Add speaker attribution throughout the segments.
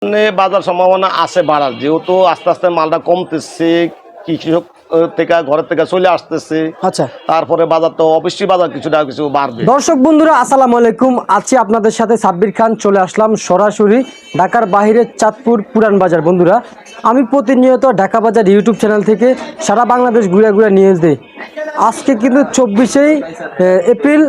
Speaker 1: বাজার সম্ভাবনা আছে বাড়ার, যেহেতু আস্তে আস্তে মালটা কমতেছে, কৃষক থেকে ঘরের থেকে চলে আসতেছে।
Speaker 2: আচ্ছা,
Speaker 1: তারপরে বাজার তো অবশ্যই বাজার কিছুটা কিছু বাড়বে।
Speaker 2: দর্শক বন্ধুরা আসসালামু আলাইকুম, আছি আপনাদের সাথে সাব্বির খান। চলে আসলাম সরাসরি ঢাকার বাইরে চাঁদপুর পুরান বাজার। বন্ধুরা, আমি প্রতিনিয়ত ঢাকা বাজার ইউটিউব চ্যানেল থেকে সারা বাংলাদেশ ঘুরে ঘুরে নিউজ দিই। আজকে কিন্তু 24শে এপ্রিল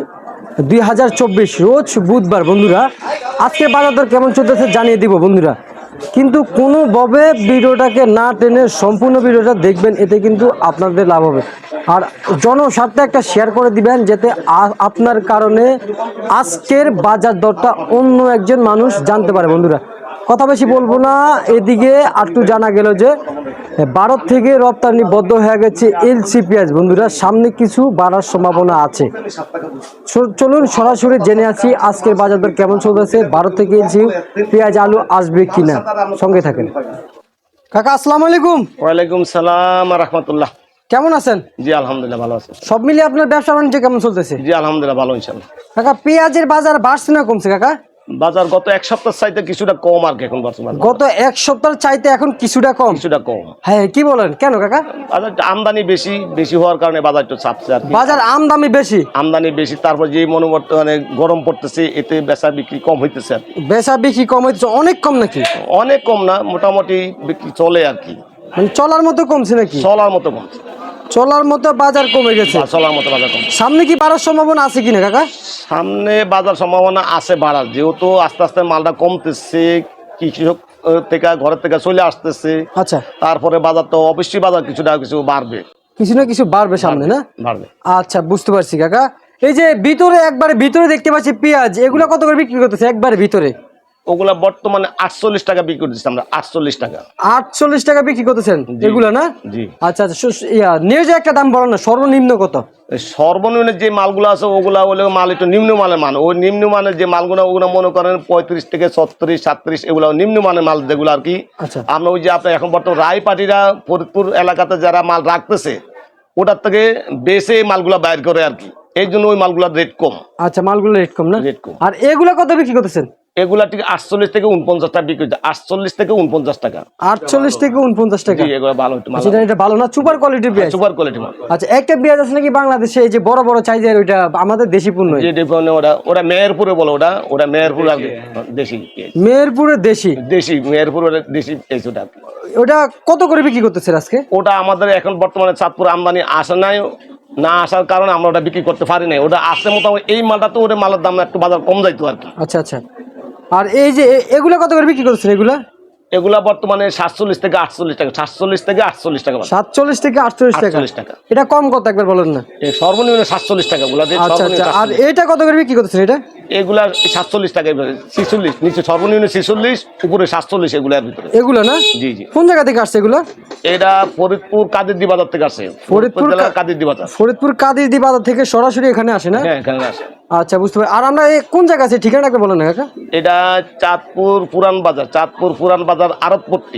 Speaker 2: 2024, রোজ বুধবার। বন্ধুরা, আজকে বাজার দর কেমন চলতেছে জানিয়ে দিব বন্ধুরা, কিন্তু কোনোভাবে ভিডিওটাকে না টেনে সম্পূর্ণ ভিডিওটা দেখবেন, এতে কিন্তু আপনাদের লাভ হবে। আর জনস্বার্থে একটা শেয়ার করে দিবেন, যাতে আপনার কারণে আজকের বাজার দরটা অন্য একজন মানুষ জানতে পারে। বন্ধুরা, কথা বেশি বলবো না, এদিকে একটু জানা গেল যে ভারত থেকে রপ্তানি বন্ধ হয়ে গেছে এলসি পেঁয়াজ। বন্ধুরা, সামনে কিছু বাড়ার সম্ভাবনা আছে। চলুন সরাসরি জেনে আসি আজকের বাজার দর কেমন চলতেছে, ভারত থেকে এলসি পেঁয়াজ আলু আসবে কিনা। সঙ্গে থাকেন। কাকা আসসালামু আলাইকুম।
Speaker 1: ওয়ালাইকুম সালাম রাহমাতুল্লাহ।
Speaker 2: কেমন আছেন?
Speaker 1: জি আলহামদুলিল্লাহ ভালো আছি।
Speaker 2: সব মিলিয়ে আপনার ব্যবসা বাণিজ্য কেমন চলতেছে?
Speaker 1: জি আলহামদুলিল্লাহ ভালো ইনশাআল্লাহ।
Speaker 2: কাকা, পেঁয়াজের বাজার বাড়ছে না কমছে? কাকা,
Speaker 1: বাজার গত এক সপ্তাহ চাইতে কিছুটা কম আর কি এখন বর্তমানে।
Speaker 2: গত এক সপ্তাহ চাইতে এখন কিছুটা কম?
Speaker 1: কিছুটা কম।
Speaker 2: হ্যাঁ, কি বলেন, কেন কাকা?
Speaker 1: বাজার আমদানি বেশি হওয়ার কারণে বাজার একটু চাপছে আর কি।
Speaker 2: বাজার আমদানি বেশি? আমদানি
Speaker 1: বেশি, তারপর যে মানে গরম পড়তেছে, এতে বেচা বিক্রি কম হইতেছে আর কি।
Speaker 2: বেচা বিক্রি কম হইতেছে? অনেক কম নাকি?
Speaker 1: অনেক কম না, মোটামুটি বিক্রি চলে আর কি।
Speaker 2: মানে চলার মতো কমছে নাকি?
Speaker 1: চলার মতো কমছে।
Speaker 2: চলার মতো বাজার কমে গেছে?
Speaker 1: চলার মতো বাজার কমছে।
Speaker 2: সামনে কি বাড়ার সম্ভাবনা আছে কিনা কাকা?
Speaker 1: সামনে বাজার সম্ভাবনা আছে বাড়ার, যেহেতু আস্তে আস্তে মালটা কমতেছে, কৃষক থেকে ঘরের থেকে চলে আসতেছে।
Speaker 2: আচ্ছা,
Speaker 1: তারপরে বাজার তো অবশ্যই বাজার কিছুটা কিছু বাড়বে।
Speaker 2: কিছু না কিছু বাড়বে সামনে, না?
Speaker 1: বাড়বে।
Speaker 2: আচ্ছা, বুঝতে পারছি কাকা। এই যে ভিতরে একবারে ভিতরে দেখতে পাচ্ছি পেঁয়াজ, এগুলো কত করে বিক্রি করতেছে একবারে ভিতরে?
Speaker 1: ওগুলা বর্তমানে 48 টাকা বিক্রি করতেছি আমরা। 48 টাকা।
Speaker 2: 48 টাকা বিক্রি করতেছেন এগুলা, না?
Speaker 1: জি।
Speaker 2: আচ্ছা আচ্ছা, নিয়ে যে একটা দাম বলো না, সর্বনিম্ন কত?
Speaker 1: সর্বনিম্ন যে মালগুলো আছে ওগুলা হলে মাল একটু নিম্ন মানের মান। ওই নিম্ন মানের যে মালগুলো ওগুলো মনে করেন 35 থেকে 36, 37 এগুলো নিম্ন মানের মাল যেগুলো আর কি।
Speaker 2: আচ্ছা,
Speaker 1: আমরা ওই যে আপনার এখন বর্তমান রায় পার্টিরা ফরিদপুর এলাকাতে যারা মাল রাখতেছে, ওটার থেকে বেশি মালগুলা বাইর করে আর কি। এই জন্য ওই মালগুলার রেট কম।
Speaker 2: আচ্ছা, মালগুলো রেট কম, না?
Speaker 1: রেট কম।
Speaker 2: আর এগুলা কত বিক্রি করতেছেন?
Speaker 1: এগুলা ঠিক 48 থেকে 49 টাকা বিক্রি হচ্ছে। 48 থেকে 49 টাকা।
Speaker 2: 48 থেকে 49 টাকা?
Speaker 1: এগুলো ভালো একটু মাল।
Speaker 2: এটা ভালো না? সুপার কোয়ালিটির পেঁয়াজ?
Speaker 1: সুপার কোয়ালিটি মাল।
Speaker 2: আচ্ছা, একটা পেঁয়াজ আছে নাকি বাংলাদেশে এই যে বড় বড় সাইজের, ওইটা আমাদের দেশি পণ্য?
Speaker 1: ওটা মেহেরপুরে বলো, ওটা মেহেরপুর আর কি। দেশি
Speaker 2: মেহেরপুরের দেশি
Speaker 1: মেহেরপুর দেশি পেঁয়াজ ওটা।
Speaker 2: ওটা কত করে বিক্রি করতেছে আজকে?
Speaker 1: ওটা আমাদের এখন বর্তমানে চাঁদপুর আমদানি আসে নাই, না আসার কারণে আমরা ওটা বিক্রি করতে পারি নাই। ওটা আসতে মোটামুটি এই মালটা তো ওটা মালের দাম একটু বাজার কম যাইতো আর কি।
Speaker 2: আচ্ছা আচ্ছা। আর এই যে এগুলা কত করে বিক্রি করতেছেন
Speaker 1: এগুলা বর্তমানে 47 থেকে 48 টাকা। 47 থেকে 48 টাকা।
Speaker 2: 47 থেকে 48 টাকা। এটা কম কত একবার বলেন না?
Speaker 1: সর্বনিম্ন 47 টাকা গুলা।
Speaker 2: আচ্ছা আচ্ছা। আর এটা কত করে বিক্রি করতেছেন? এটা
Speaker 1: এগুলা 47 টাকা, 46 নিচে, সর্বনিম্ন 46, উপরে 47 এগুলার ভিতরে।
Speaker 2: এগুলা, না?
Speaker 1: জি জি।
Speaker 2: কোন জায়গা থেকে আসছে এগুলা?
Speaker 1: এটা ফরিদপুর কাদিরদি বাজার থেকে আসে। ফরিদপুর জেলার কাদিরদি বাজার।
Speaker 2: ফরিদপুর কাদিরদি বাজার থেকে সরাসরি এখানে আসে, না?
Speaker 1: হ্যাঁ, এখানে আসে।
Speaker 2: আচ্ছা, বুঝতে পারি। আর আমরা কোন জায়গা আছে, ঠিকানা একবার বলেন না কাকা?
Speaker 1: এটা চাঁদপুর পুরান বাজার। চাঁদপুর পুরান বাজার আড়তপট্টি।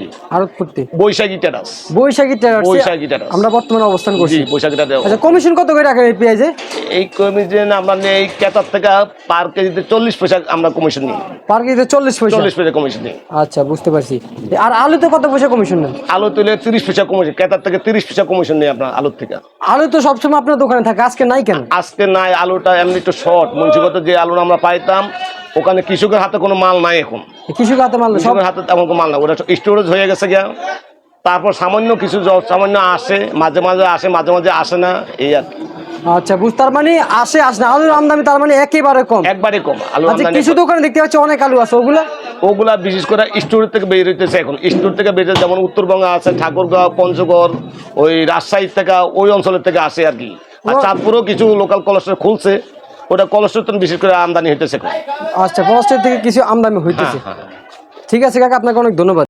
Speaker 1: বৈশাখী টেরাস।
Speaker 2: বৈশাখী টেরাস আমরা বর্তমানে অবস্থান করছি।
Speaker 1: বৈশাখী টেরাস।
Speaker 2: আচ্ছা, কমিশন কত করে রাখেন এই পেঁয়াজে?
Speaker 1: এই কমিশন আমরা এই ক্রেতার থেকে পার কেজিতে 40 পয়সা আমরা কমিশন নিই।
Speaker 2: পার কেজিতে 40 পয়সা?
Speaker 1: 40 পয়সা কমিশন নিই।
Speaker 2: আচ্ছা, বুঝতে পারছি। আর আলুতে কত পয়সা কমিশন নেন?
Speaker 1: আলু তুলে 30 পয়সা কমিশন, ক্রেতার থেকে 30 পয়সা কমিশন নেই আপনার আলুর থেকে।
Speaker 2: আলু তো সবসময় আপনার দোকানে থাকে, আজকে নাই কেন?
Speaker 1: আজকে নাই, আলুটা এমনি একটু শর্ট। মুন্সিগত যে আলু আমরা পাইতাম, ওখানে কৃষকের হাতে কোনো মাল নাই এখন।
Speaker 2: কৃষকের হাতে মাল?
Speaker 1: কৃষকের হাতে তেমন কোনো মাল নাই, ওটা স্টোরেজ হয়ে গেছে গিয়া। তারপর সামান্য কিছু সামান্য আসে, মাঝে মাঝে আসে, মাঝে মাঝে আসে না, এই আর কি।
Speaker 2: আচ্ছা, তার মানে আসে না। আলুর আমদানি তার মানে একেবারে কম?
Speaker 1: একবারে কম আলু
Speaker 2: আমদানি। কিছু দোকানে দেখতে পাচ্ছি অনেক আলু আছে, ওগুলা বিশেষ করে স্টোর থেকে বের হইতেছে এখন। স্টোর থেকে বের, যেমন উত্তরবঙ্গে আছে, ঠাকুরগাঁও, পঞ্চগড়, ওই রাজশাহী থেকে, ওই অঞ্চলের থেকে আসে আর কি। আর চাঁদপুরেও কিছু লোকাল কলেস্টর খুলছে, ওটা কলেস্টর বিশেষ করে আমদানি হইতেছে। আচ্ছা, কলেস্টর থেকে কিছু আমদানি হইতেছে। ঠিক আছে কাকা, আপনাকে অনেক ধন্যবাদ।